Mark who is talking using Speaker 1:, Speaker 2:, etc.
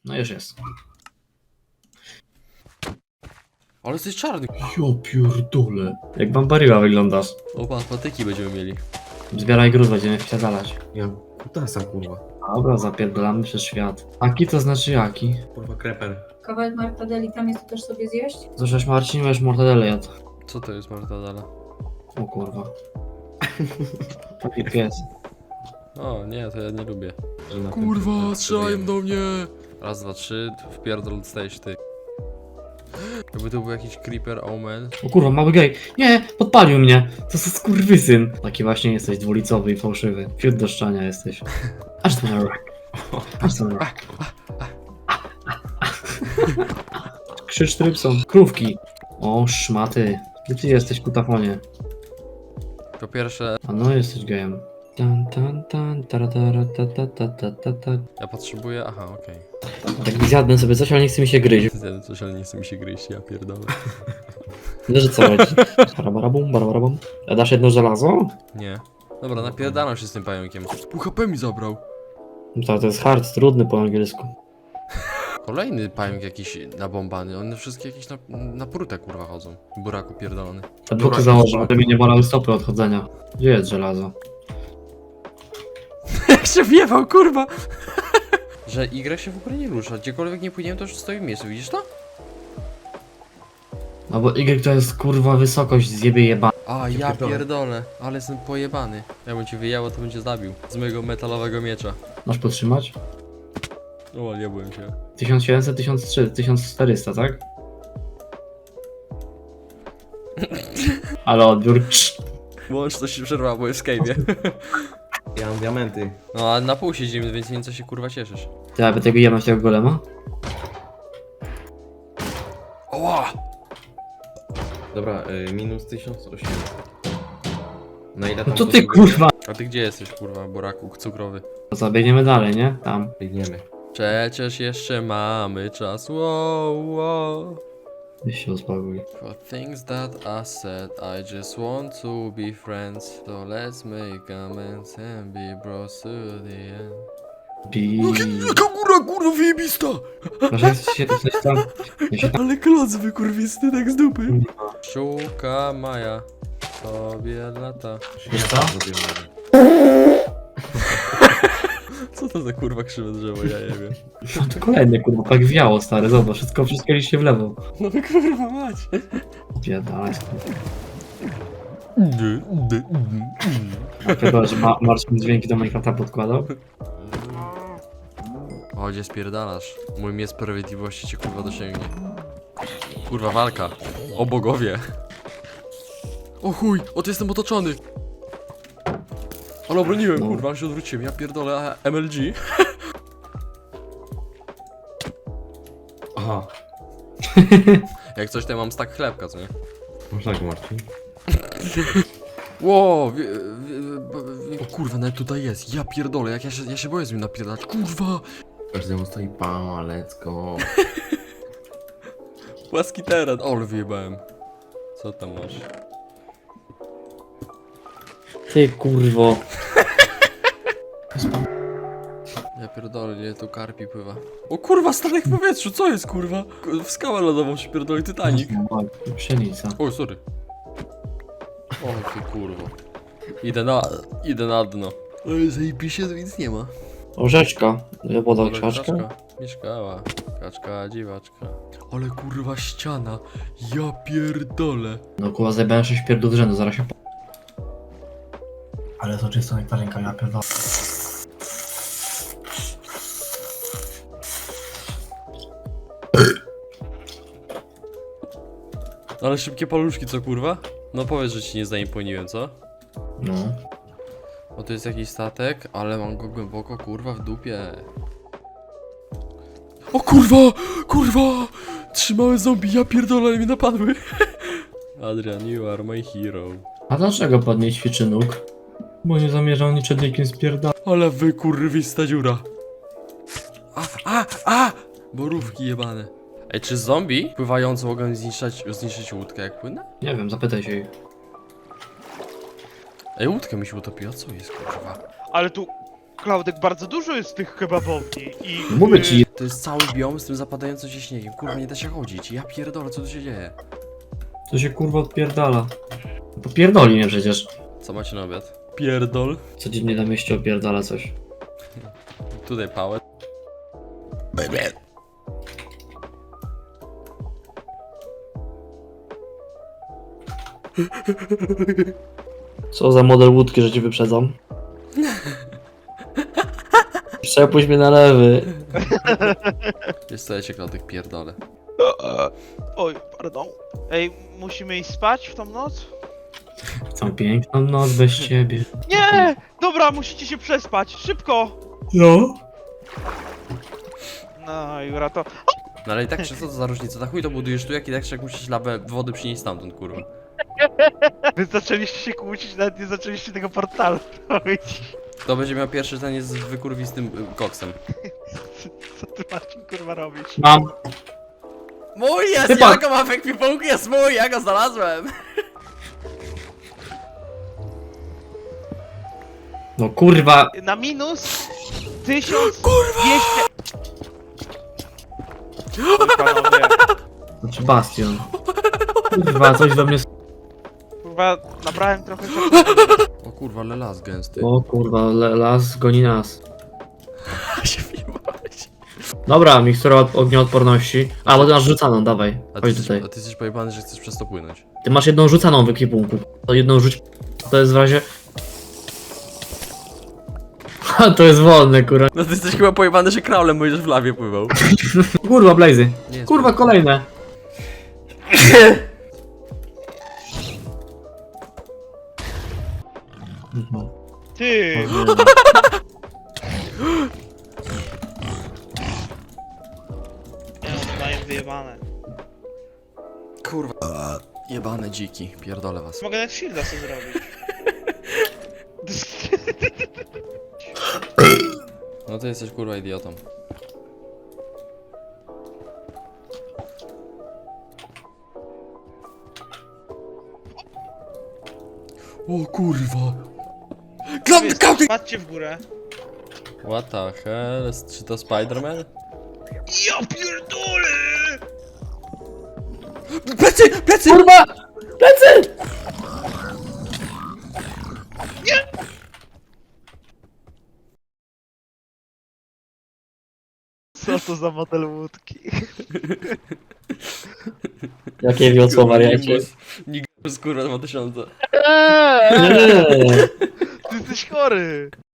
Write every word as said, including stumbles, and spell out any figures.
Speaker 1: No już jest.
Speaker 2: Ale jesteś czarny.
Speaker 1: Jo pierdole. Jak Bambariła wyglądasz.
Speaker 2: Opa, patyki będziemy mieli.
Speaker 1: Zbieraj gruz, będziemy wsiadalać.
Speaker 3: Ja kutasa, kurwa.
Speaker 1: Dobra, zapierdolamy przez świat. Aki to znaczy jaki?
Speaker 3: Kurwa kreper.
Speaker 4: Kawałek martadeli tam jest, to też sobie zjeść?
Speaker 1: Zacząłeś Marcin, weź mortadele jadł.
Speaker 2: Co to jest mortadela?
Speaker 1: O kurwa. Taki pies.
Speaker 2: O nie, to ja nie lubię.
Speaker 3: Że na
Speaker 2: Kurwa,
Speaker 3: tym-
Speaker 2: strzelają do mnie! Raz, dwa, trzy, wpierdol dostajesz ty. Jakby to był jakiś creeper omen.
Speaker 1: O kurwa, mały gej. Nie, podpalił mnie. To jest skurwysyn. Taki właśnie jesteś dwulicowy i fałszywy. Wśród do szczania jesteś. Aż to na rak. Aż to na rak. Krzycz trypson. Krówki. O, szmaty. Gdzie ty jesteś, kutafonie?
Speaker 2: Po pierwsze,
Speaker 1: A no, jesteś gejem. Tan, tan, tan, tara, tara, ta, ta, ta, ta, ta, ta.
Speaker 2: ja potrzebuję... Aha, okej.
Speaker 1: Tak zjadłem sobie coś, ale nie chce mi się gryźć.
Speaker 2: Okay. Coś, ale nie chce mi się gryźć, ja pierdolę.
Speaker 1: No, że co chodzi? Barabarabum, barabarabum. A dasz jedno żelazo?
Speaker 2: Nie. Dobra, napierdalam się z tym pająkiem. Pół H P mi zabrał.
Speaker 1: No to, to jest hard, trudny po angielsku.
Speaker 2: Kolejny pająk jakiś nabombany. One wszystkie jakieś na, na prutę kurwa chodzą. Buraku pierdolony.
Speaker 1: Te buty założę, aby mi nie bolały stopy od chodzenia. Gdzie jest żelazo?
Speaker 2: Jak się wiewał, kurwa! Że Y się w ogóle nie rusza. Gdziekolwiek nie płyniemy, to już stoi w miejscu, widzisz to?
Speaker 1: No bo Y to jest kurwa wysokość zjebie jeba.
Speaker 2: A, ja
Speaker 3: pierdolę.
Speaker 2: pierdolę. Ale jestem pojebany. Jakbym ci wyjęło, to bym cię zabił. Z mojego metalowego miecza.
Speaker 1: Masz podtrzymać?
Speaker 2: O, nie byłem się.
Speaker 1: tysiąc siedemset, tysiąc trzysta, tysiąc czterysta, tak? Ale odbiór.
Speaker 2: Łączność się przerwała, bo jest w cave'ie.
Speaker 3: Ja mam diamenty.
Speaker 2: No, a na pół siedzimy, więc nie co się kurwa cieszysz.
Speaker 1: Ty, aby tego jemy tego golema?
Speaker 2: Oła!
Speaker 3: Dobra, y, minus tysiąc osiemset. Na ile
Speaker 1: No
Speaker 3: tam
Speaker 1: to ty
Speaker 3: potrzebujemy?
Speaker 1: kurwa!
Speaker 2: A ty gdzie jesteś, kurwa, buraku cukrowy?
Speaker 1: To co, biegniemy dalej, nie? Tam.
Speaker 3: Biegniemy.
Speaker 2: Przecież jeszcze mamy czas, wow, wow.
Speaker 1: Weź się uspokój.
Speaker 2: For things that I said, I just want to be friends. So let's make amends and be bros to the end.
Speaker 1: Bi.
Speaker 2: Jaka góra, kurwa, wyjebista!
Speaker 1: Może jesteś się coś tam. Ja się tam.
Speaker 2: Ale kloc wykurwisty, tak z dupy. Szuka Maja, tobie lata.
Speaker 1: Wiesz co?
Speaker 2: Co to za kurwa krzywe drzewo, ja nie wiem.
Speaker 1: No to kolejny kurwa, tak wiało stary, zobacz, wszystko wszystko idzie się w lewo.
Speaker 2: No kurwa mać.
Speaker 1: Biedalaj. Chyba, że ma Marcin dźwięki do Minecrafta podkładał.
Speaker 2: O, gdzie spierdalasz? Mój miecz sprawiedliwości cię kurwa dosięgnie. Kurwa walka. O bogowie. O chuj, o ty jestem otoczony. Ale obroniłem,
Speaker 1: No.
Speaker 2: kurwa, się odwróciłem, ja pierdolę a M L G.
Speaker 3: Aha.
Speaker 2: Jak coś, to ja mam stak chlebka, co nie?
Speaker 3: Można go, Marcin?
Speaker 2: Ło, wie, wie, wie, o kurwa, nawet tutaj jest, ja pierdolę, jak ja się, ja się boję z nim napierdalać, kurwa.
Speaker 3: Każdemu stoi pała, let's go.
Speaker 2: Płaski teren, o, ale wyjebałem. Co tam masz?
Speaker 1: Ty kurwo.
Speaker 2: Ja pierdolę, ile tu karpi pływa. O kurwa, statek w powietrzu, co jest kurwa? W skałę lodową się pierdoli Titanic.
Speaker 1: Pszenica.
Speaker 2: Oj, sorry. O ty kurwo. Idę na, idę na dno. Ej, zajebiście, tu nic nie ma.
Speaker 1: Orzeczka. Woda
Speaker 2: Ale
Speaker 1: krzaczka.
Speaker 2: Mieszkała. Kaczka, dziwaczka. Ale kurwa ściana. Ja pierdolę.
Speaker 1: No kurwa, zajebałem sześć pierdół z rzędu, zaraz się po... Ale to czysto nektarynka, ja pierdolę.
Speaker 2: Ale szybkie paluszki, co kurwa? No powiedz, że ci nie zaimponiłem, co?
Speaker 1: No.
Speaker 2: Bo to jest jakiś statek, ale mam go głęboko, kurwa, w dupie. O kurwa! Kurwa! Trzy małe zombie, ja pierdolę, ale mnie napadły. Adrian, you are my hero.
Speaker 1: A dlaczego pan nie ćwiczy nóg? Bo nie zamierzał ni przed nikim spierdalać.
Speaker 2: Ale wy kurwista dziura. A, a, a! Borówki jebane. Ej, czy zombie pływające mogą zniszczyć, zniszczyć łódkę jak płynę?
Speaker 1: Nie wiem, zapytaj się jej.
Speaker 2: Ej, łódka mi się utopiła, co jest kurwa?
Speaker 5: Ale tu Klaudek, bardzo dużo jest tych kebabowni i...
Speaker 1: Mówię ci,
Speaker 2: To jest cały biom z tym zapadającym się śniegiem. Kurwa, nie da się chodzić. Ja pierdolę, co tu się dzieje?
Speaker 1: co się kurwa odpierdala. Popierdoli mnie przecież.
Speaker 2: Co macie na obiad? Pierdol.
Speaker 1: Codziennie na mieście opierdala coś.
Speaker 2: Tutaj pałę.
Speaker 1: Co za model łódki, że ci wyprzedzam? Przepuść mnie na lewy.
Speaker 2: Jest co, ja cię Klaudek pierdolę.
Speaker 5: Oj, pardon. Ej, musimy iść spać w tą noc?
Speaker 1: Całą piękną noc bez ciebie.
Speaker 5: Nie! Dobra, musicie się przespać, szybko!
Speaker 1: No?
Speaker 5: No, Jura, to...
Speaker 2: No ale i tak, czy co to za różnica? Na chuj to budujesz tu, jak i tak jak musisz lawę wody przynieść stamtąd, kurwa.
Speaker 5: Wy zaczęliście się kłócić, nawet nie zaczęliście tego portalu robić.
Speaker 2: Kto będzie miał pierwszy ten jest z wykurwistym y, koksem.
Speaker 5: Co ty, Marcin, kurwa, robisz?
Speaker 1: Mam.
Speaker 2: Mój jest!
Speaker 1: Chyba-
Speaker 2: Ja go mam w ekwipunku, jest mój! Ja go znalazłem!
Speaker 1: No kurwa.
Speaker 5: Na minus tysiąc dwieście... Oj, panowie,
Speaker 1: Znaczy bastion. Kurwa, coś we mnie...
Speaker 5: kurwa, nabrałem trochę...
Speaker 2: O kurwa, ale las gęsty.
Speaker 1: O kurwa, le- las goni nas.
Speaker 2: się wjebałeś.
Speaker 1: Dobra, mikstura od ognioodporności. A, bo ty masz rzucaną, dawaj.
Speaker 2: A ty,
Speaker 1: Chodź
Speaker 2: jesteś,
Speaker 1: tutaj.
Speaker 2: a ty jesteś pojebany, że chcesz przez to płynąć.
Speaker 1: Ty masz jedną rzucaną w ekwipunku. To jedną rzuć... To jest w razie... Ha, to jest wolne, kurwa.
Speaker 2: No ty jesteś chyba pojebany, że kraulem będziesz w lawie pływał.
Speaker 1: Kurwa, Blazy.
Speaker 2: Nie jest
Speaker 1: Kurwa, kolejne. Mhm.
Speaker 5: Ty! Ja mają wyjebane.
Speaker 2: Kurwa. Jebane dziki, pierdolę was.
Speaker 5: Mogę nawet shielda sobie zrobić.
Speaker 2: No ty jesteś kurwa idiotą. O kurwa. Klaudy, Klaudy!
Speaker 5: Patrzcie w górę.
Speaker 2: What the hell? Czy to Spider-Man?
Speaker 5: Ja pierdolę!
Speaker 2: Plecy! Plecy!
Speaker 1: Kurwa! Plecy!
Speaker 5: Co to za model łódki?
Speaker 1: Jakie wiosło, wariacie?
Speaker 2: Nimbus, Nimbus kurwa dwa tysiące.
Speaker 1: Nie.
Speaker 5: Ty jesteś chory!